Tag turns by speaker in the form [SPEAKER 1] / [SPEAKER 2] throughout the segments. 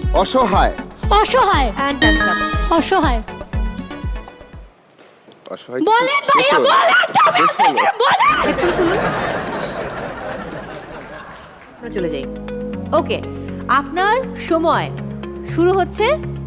[SPEAKER 1] অসহায়।
[SPEAKER 2] অসহায়।
[SPEAKER 3] And time's up.
[SPEAKER 2] অসহায়।
[SPEAKER 1] অসহায়
[SPEAKER 2] বলেন ভাইয়া, বলেন তবে আপনাদের বলেন।
[SPEAKER 3] হেডফোন খুলুন। আমরা চলে যাই। ওকে, আপনার সময় শুরু হচ্ছে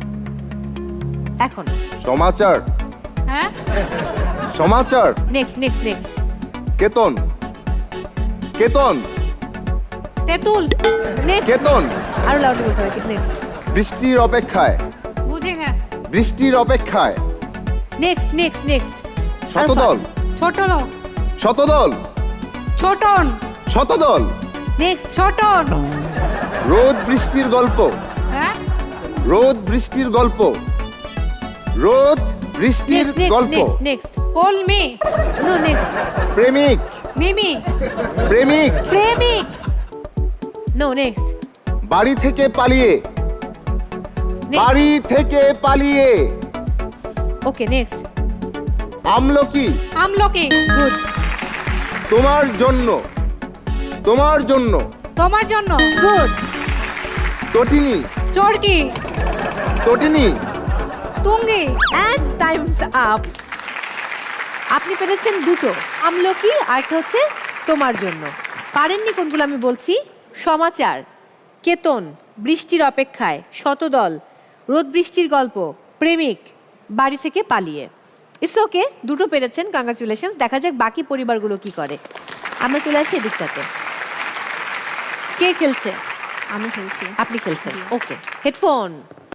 [SPEAKER 3] এখন।
[SPEAKER 1] সমাচার।
[SPEAKER 2] হ্যাঁ,
[SPEAKER 1] সমাচার।
[SPEAKER 3] Next next next.
[SPEAKER 1] কেতন। কেতন।
[SPEAKER 2] তেঁতুল।
[SPEAKER 3] নেক্সট।
[SPEAKER 1] কেতন।
[SPEAKER 3] আরো লাউডলি বলতে হবে। নেক্সট
[SPEAKER 1] বৃষ্টির অপেক্ষায়।
[SPEAKER 2] বুঝে হ্যাঁ।
[SPEAKER 1] বৃষ্টির অপেক্ষায়।
[SPEAKER 3] Next next next.
[SPEAKER 1] শতদল।
[SPEAKER 2] ছোট লোক।
[SPEAKER 1] শতদল।
[SPEAKER 2] ছোটন।
[SPEAKER 1] শতদল।
[SPEAKER 3] নেক্সট।
[SPEAKER 2] ছোটন।
[SPEAKER 1] রোদ বৃষ্টির গল্প।
[SPEAKER 2] হ্যাঁ,
[SPEAKER 1] রোদ বৃষ্টির গল্প। রোদ বৃষ্টির
[SPEAKER 3] নেক্সট নেক্সট
[SPEAKER 1] গল্প।
[SPEAKER 3] Next next.
[SPEAKER 2] কলমি।
[SPEAKER 3] No next.
[SPEAKER 1] প্রেমিক।
[SPEAKER 2] মিমি।
[SPEAKER 1] প্রেমিক।
[SPEAKER 3] প্রেমিক। No next.
[SPEAKER 1] বাড়ি থেকে পালিয়ে। বাড়ি থেকে পালিয়ে।
[SPEAKER 3] Okay next.
[SPEAKER 1] আমলকি।
[SPEAKER 2] আমলকি।
[SPEAKER 3] গুড।
[SPEAKER 1] তোমার জন্য। তোমার জন্য।
[SPEAKER 2] তোমার জন্য।
[SPEAKER 3] গুড।
[SPEAKER 1] তটিনী।
[SPEAKER 2] চরকি।
[SPEAKER 1] তটিনী।
[SPEAKER 2] তুঙ্গি।
[SPEAKER 3] And time's up. আপনি পেরেছেন দুটো, আমলকি আর একটা হচ্ছে তোমার জন্য। পারেননি কোনগুলো আমি বলছি? সমাচার, কেতন, বৃষ্টির অপেক্ষায়, শতদল, রোদ বৃষ্টির গল্প, প্রেমিক, বাড়ি থেকে পালিয়ে। ইটস ওকে, দুটো পেরেছেন, কংগ্রাচুলেশনস। দেখা যাক বাকি পরিবারগুলো কি করে। আমরা চলে আসি এদিকটাতে। কে খেলছে?
[SPEAKER 2] আমি খেলছি।
[SPEAKER 3] আপনি খেলছেন, ওকে। হেডফোন।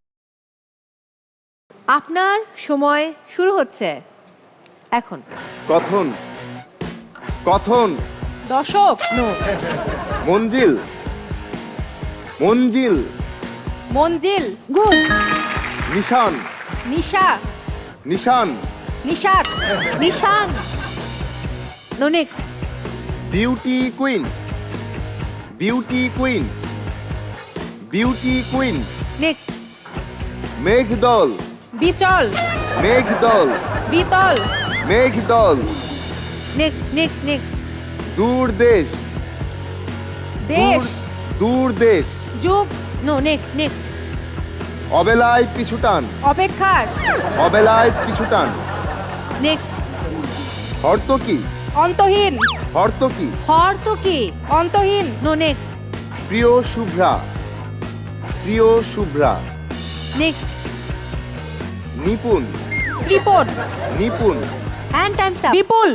[SPEAKER 3] আপনার সময় শুরু হচ্ছে এখন।
[SPEAKER 1] কথন। কথন।
[SPEAKER 2] দশক।
[SPEAKER 3] নো।
[SPEAKER 1] মঞ্জিল। মঞ্জিল।
[SPEAKER 2] মঞ্জিল।
[SPEAKER 3] গুড।
[SPEAKER 1] নিশান।
[SPEAKER 2] নিশা।
[SPEAKER 1] নিশান।
[SPEAKER 2] নিশাত।
[SPEAKER 3] নিশান। No next.
[SPEAKER 1] Beauty queen. Beauty queen. Beauty queen.
[SPEAKER 3] Next.
[SPEAKER 1] মেঘদল।
[SPEAKER 2] বিচল।
[SPEAKER 1] মেঘদল।
[SPEAKER 2] বিতল।
[SPEAKER 1] মেঘদল।
[SPEAKER 3] Next next next.
[SPEAKER 1] দূর দেশ।
[SPEAKER 2] দেশ।
[SPEAKER 1] দূর দেশ।
[SPEAKER 2] যুগ।
[SPEAKER 3] No next next.
[SPEAKER 1] অবেলায় পিছুটান।
[SPEAKER 2] অপেক্ষার।
[SPEAKER 1] অবেলায় পিছুটান।
[SPEAKER 3] নেক্সট।
[SPEAKER 1] হর্তকি।
[SPEAKER 2] অন্তহীন।
[SPEAKER 1] হর্তকি।
[SPEAKER 3] হর তো কি?
[SPEAKER 2] অন্তহীন।
[SPEAKER 3] No next.
[SPEAKER 1] প্রিয় শুভ্রা। প্রিয় শুভ্রা।
[SPEAKER 3] নেক্সট।
[SPEAKER 1] নিপুণ।
[SPEAKER 2] ত্রিপদ।
[SPEAKER 1] নিপুণ।
[SPEAKER 3] And time's up.
[SPEAKER 2] বিপুল।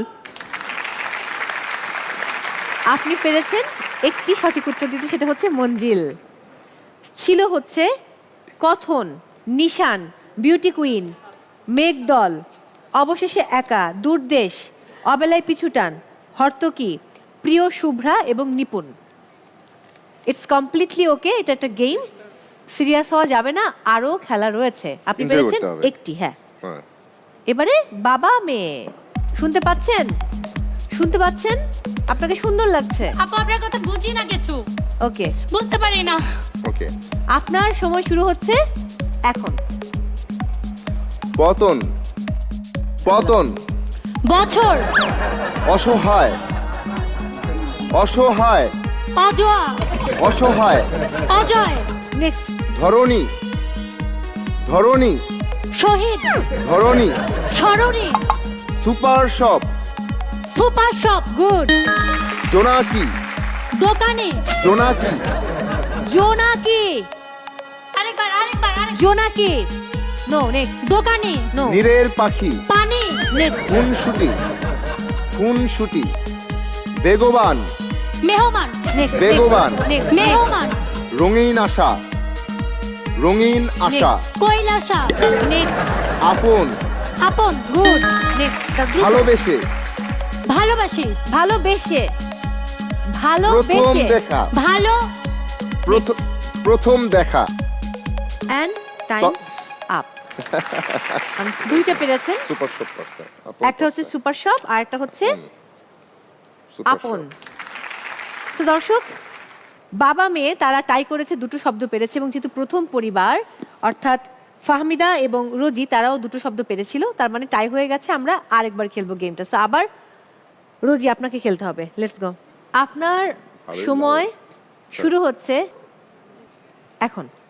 [SPEAKER 3] আপনি পেরেছেন একটি সঠিক উত্তর দিতে, সেটা হচ্ছে মঞ্জিল। ছিল হচ্ছে কথন, নিশান, বিউটি কুইন, মেঘদল, অবশেষে একা, দূরদেশ, অবেলায় পিছুটান, হর্তকি, প্রিয় শুভ্রা এবং নিপুণ। ইটস কমপ্লিটলি ওকে, এটা একটা গেম, সিরিয়াস হওয়া যাবে না, আরও খেলা রয়েছে। আপনি
[SPEAKER 1] Enjoy
[SPEAKER 3] পেরেছেন
[SPEAKER 1] করতে হবে।
[SPEAKER 3] একটি, হ্যাঁ।
[SPEAKER 1] হ্যাঁ।
[SPEAKER 3] এবারে বাবা মেয়ে, শুনতে পাচ্ছেন? শুনতে পাচ্ছেন? আপনাকে সুন্দর লাগছে?
[SPEAKER 2] আপু আপনার কথা বুঝি না কিছু,
[SPEAKER 3] ওকে,
[SPEAKER 2] বুঝতে পারি না।
[SPEAKER 1] ওকে।
[SPEAKER 3] আপনার সময় শুরু হচ্ছে এখন।
[SPEAKER 1] পতন। পতন।
[SPEAKER 2] বছর।
[SPEAKER 1] অসহায়। অসহায়।
[SPEAKER 2] অজোয়া।
[SPEAKER 1] অসহায়।
[SPEAKER 2] অজয়।
[SPEAKER 3] নেক্সট।
[SPEAKER 1] ধরণী। ধরণী।
[SPEAKER 2] শহীদ।
[SPEAKER 1] ধরণী।
[SPEAKER 2] সরণি।
[SPEAKER 1] Super shop.
[SPEAKER 2] Super shop.
[SPEAKER 3] Good.
[SPEAKER 1] জোনাকি।
[SPEAKER 2] দোকানে।
[SPEAKER 1] জোনাকি।
[SPEAKER 3] জোনাকি।
[SPEAKER 2] আরেকবার আরেকবার আরেকবার।
[SPEAKER 3] জোনাকি। No next.
[SPEAKER 2] দোকানে।
[SPEAKER 3] নো
[SPEAKER 1] নীরের পাখি।
[SPEAKER 2] পানি।
[SPEAKER 3] নেক্সট।
[SPEAKER 1] খুনসুটি। খুনসুটি। বেগবান।
[SPEAKER 2] মেহমান।
[SPEAKER 3] নেক্সট।
[SPEAKER 1] বেগবান।
[SPEAKER 3] নেক্সট।
[SPEAKER 2] মেহমান।
[SPEAKER 1] রঙিন আশা। রঙিন আশা।
[SPEAKER 2] কৈলাসা।
[SPEAKER 3] নেক্সট।
[SPEAKER 1] আপন।
[SPEAKER 2] আপন।
[SPEAKER 3] গুড। নেক্সট।
[SPEAKER 1] ভালোবেসে।
[SPEAKER 2] ভালোবাসি।
[SPEAKER 3] ভালোবেসে।
[SPEAKER 1] প্রথম
[SPEAKER 3] ভালোবেসে।
[SPEAKER 1] দেখা।
[SPEAKER 2] ভালো।
[SPEAKER 1] প্রথম দেখা।
[SPEAKER 3] And time's up. দুইটা পেরেছেন,
[SPEAKER 1] সুপার শপ করছে।
[SPEAKER 3] একটা হচ্ছে সুপার শপ আর একটা হচ্ছে আপন। তো দর্শক, বাবা মেয়ে তারা টাই করেছে, দুটো শব্দ পেরেছে, এবং যেহেতু প্রথম পরিবার অর্থাৎ ফাহমিদা এবং রোজি তারাও দুটো শব্দ পেরেছিল, তার মানে টাই হয়ে গেছে। আমরা আরেকবার খেলবো গেমটা। তো আবার রোজি আপনাকে খেলতে হবে। Let's go. আপনার সময় শুরু হচ্ছে এখন।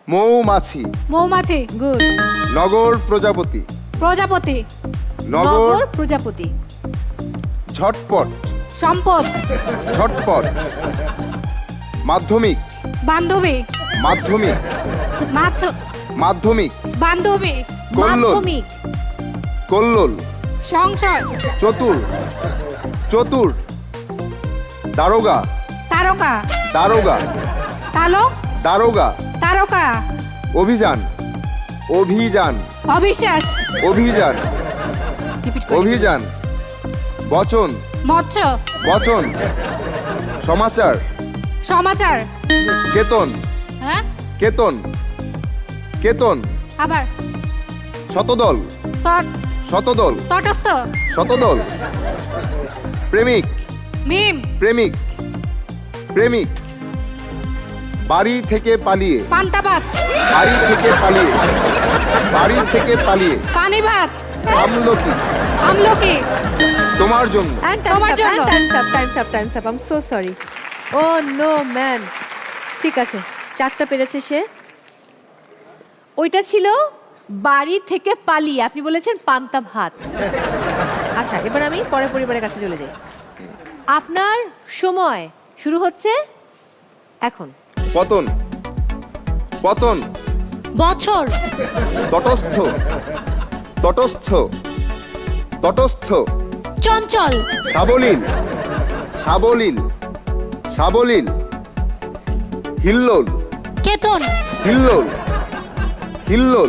[SPEAKER 1] মৌমাছি,
[SPEAKER 2] মৌমাছি
[SPEAKER 3] গুড।
[SPEAKER 1] নগর প্রজাপতি,
[SPEAKER 2] প্রজাপতি
[SPEAKER 1] নগর
[SPEAKER 3] নগর প্রজাপতি।
[SPEAKER 1] ঝটপট,
[SPEAKER 2] সম্পদ
[SPEAKER 1] ঝটপট, মাধ্যমিক,
[SPEAKER 2] বান্ধবী
[SPEAKER 1] মাধ্যমিক,
[SPEAKER 2] মাছ
[SPEAKER 1] মাধ্যমিক,
[SPEAKER 2] বান্ধবী
[SPEAKER 1] কল্লোল,
[SPEAKER 3] মাধ্যমিক।
[SPEAKER 1] কল্লোল,
[SPEAKER 2] সংসার
[SPEAKER 1] চতুর, চতুর, দারোগা,
[SPEAKER 2] তারকা
[SPEAKER 1] দারোগা,
[SPEAKER 2] তালক
[SPEAKER 1] দারোগা,
[SPEAKER 2] তারকা
[SPEAKER 1] অভিযান, অভিযান,
[SPEAKER 2] অবিশ্বাস
[SPEAKER 1] অভিযান,
[SPEAKER 3] রিপিট করি।
[SPEAKER 1] অভিযান, বচন,
[SPEAKER 2] মৎস্য
[SPEAKER 1] বচন, সমাচার,
[SPEAKER 2] সমাচার
[SPEAKER 1] কেতন,
[SPEAKER 2] হ্যাঁ
[SPEAKER 1] কেতন, কেতন,
[SPEAKER 2] আবার
[SPEAKER 1] শতদল,
[SPEAKER 2] তট
[SPEAKER 1] শতদল,
[SPEAKER 2] তটস্থ
[SPEAKER 1] শতদল, প্রেমিক,
[SPEAKER 2] মিম
[SPEAKER 1] প্রেমিক, প্রেমিক, বাড়ি থেকে পালিয়ে,
[SPEAKER 2] পান্তাভাত
[SPEAKER 1] বাড়ি থেকে পালিয়ে, বাড়ি থেকে পালিয়ে,
[SPEAKER 2] পানি ভাত
[SPEAKER 1] আমলকি,
[SPEAKER 2] আমলকি
[SPEAKER 1] তোমার জন্য,
[SPEAKER 3] And
[SPEAKER 2] তোমার
[SPEAKER 3] time's up,
[SPEAKER 2] জন্য।
[SPEAKER 3] and time's up, time's up, time's up. I'm so sorry. Oh no, man. ঠিক আছে, 4টা পেরেছে সে। ওইটা ছিল বাড়ি থেকে পালিয়ে, আপনি বলেছেন পান্তা ভাত। আচ্ছা, এবার আমি পরের পরিবারের কাছে চলে যাই। আপনার সময় শুরু হচ্ছে এখন।
[SPEAKER 1] পতন, পতন,
[SPEAKER 2] বছর
[SPEAKER 1] তটস্থ, তটস্থ, তটস্থ,
[SPEAKER 2] চঞ্চল
[SPEAKER 1] সাবলীল, সাবলীল, সাবলীল, হিল্লোল,
[SPEAKER 2] কেতন
[SPEAKER 1] হিল্লোল, হিল্লোল,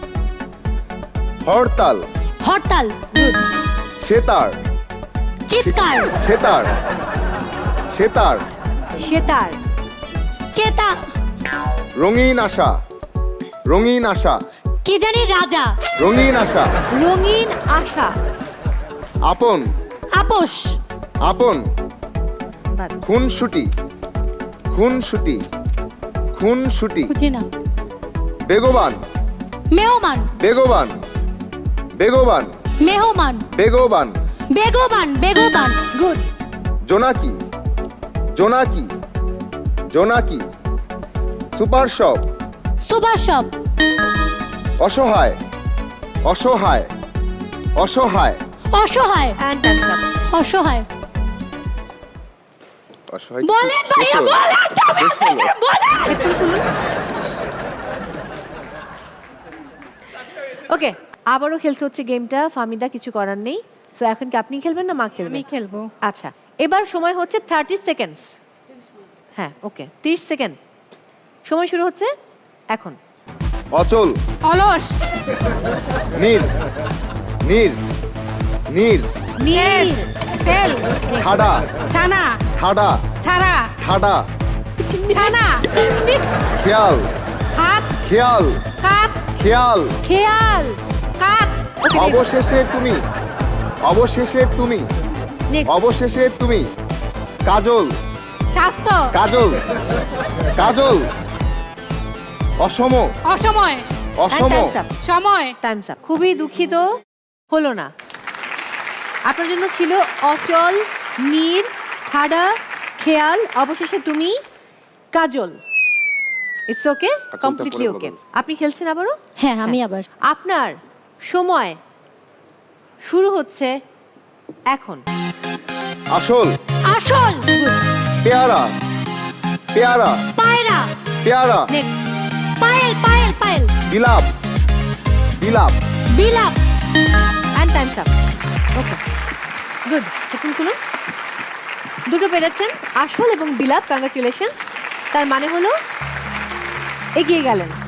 [SPEAKER 1] হরতাল,
[SPEAKER 2] হরতাল
[SPEAKER 3] গুড।
[SPEAKER 1] সেতার,
[SPEAKER 2] চিৎকার
[SPEAKER 1] সেতার, সেতার,
[SPEAKER 3] সেতার।
[SPEAKER 2] চেতা
[SPEAKER 1] রঙিন আশা, রঙিন আশা,
[SPEAKER 2] কি জানি রাজা
[SPEAKER 1] রঙিন আশা,
[SPEAKER 3] রঙিন আশা।
[SPEAKER 1] আপন,
[SPEAKER 2] আপোষ
[SPEAKER 1] আপন,
[SPEAKER 3] বাদ।
[SPEAKER 1] খুনসুটি, খুনসুটি, খুনসুটি,
[SPEAKER 2] বুঝি না
[SPEAKER 1] বেগবান,
[SPEAKER 2] মেহমান
[SPEAKER 1] বেগবান, বেগবান,
[SPEAKER 2] মেহমান
[SPEAKER 1] বেগবান,
[SPEAKER 2] বেগবান বেগবান
[SPEAKER 3] গুড।
[SPEAKER 1] জোনাকি, জোনাকি, জোনাকি, সুপার শপ,
[SPEAKER 2] সুভাষব
[SPEAKER 1] অসহায়, অসহায়, অসহায়,
[SPEAKER 2] অসহায়
[SPEAKER 3] And time's up.
[SPEAKER 2] অসহায়
[SPEAKER 1] অসহায়
[SPEAKER 2] বলেন ভাইয়া বলেন তবে আপনাদের বলেন
[SPEAKER 3] ওকে, আবারও খেলতে হচ্ছে গেমটা। ফামিদা, কিছু করার নেই। সো এখন কি আপনি খেলবেন না মা খেলবেন?
[SPEAKER 2] আমি খেলবো
[SPEAKER 3] আচ্ছা, এবার সময় হচ্ছে 30 সেকেন্ডস। হ্যাঁ, ওকে, 30 সেকেন্ড সময় শুরু হচ্ছে এখন।
[SPEAKER 1] অচল,
[SPEAKER 2] অলস
[SPEAKER 1] নীর, নীর, নীর,
[SPEAKER 3] নীল।
[SPEAKER 2] তেল
[SPEAKER 1] ঠাডা,
[SPEAKER 2] ছানা
[SPEAKER 1] ঠাডা,
[SPEAKER 2] ছাড়া
[SPEAKER 1] ঠাডা,
[SPEAKER 2] ছানা
[SPEAKER 1] খেয়াল,
[SPEAKER 2] হাত
[SPEAKER 1] খেয়াল,
[SPEAKER 2] কাত
[SPEAKER 1] খেয়াল,
[SPEAKER 3] খেয়াল।
[SPEAKER 2] কাত
[SPEAKER 1] অবশেষে তুমি, অবশেষে তুমি,
[SPEAKER 3] নেক্সট।
[SPEAKER 1] অবশেষে তুমি, কাজল,
[SPEAKER 2] স্বাস্থ্য
[SPEAKER 1] কাজল, কাজল, অসম,
[SPEAKER 2] অসময়
[SPEAKER 1] অসম,
[SPEAKER 2] সময়
[SPEAKER 3] টাইমস আপ। খুবই দুঃখিত, হলো না। আপনার জন্য ছিল অচল, নীর, ঠাডা, খেয়াল, অবশেষে তুমি, কাজল। ইটস ওকে,
[SPEAKER 1] আচ্ছা,
[SPEAKER 3] কমপ্লিটলি
[SPEAKER 1] ওটা পরে
[SPEAKER 3] ওকে।
[SPEAKER 1] বলা যাবে।
[SPEAKER 3] আপনি খেলছেন আবারও?
[SPEAKER 2] হ্যাঁ আমি আবার
[SPEAKER 3] আপনার সময় শুরু হচ্ছে এখন।
[SPEAKER 1] আসল,
[SPEAKER 2] আসল
[SPEAKER 1] পেয়ারা, পেয়ারা,
[SPEAKER 2] পায়রা
[SPEAKER 1] পেয়ারা,
[SPEAKER 3] নেক্সট।
[SPEAKER 2] পায়েল পায়েল পায়েল
[SPEAKER 1] বিলাপ, বিলাপ,
[SPEAKER 2] বিলাপ
[SPEAKER 3] and time's up. Okay, good. এখন খুলুন। দুটো পেরেছেন, আসল এবং বিলাপ। কংগ্রাচুলেশনস। তার মানে হলো এগিয়ে গেলেন।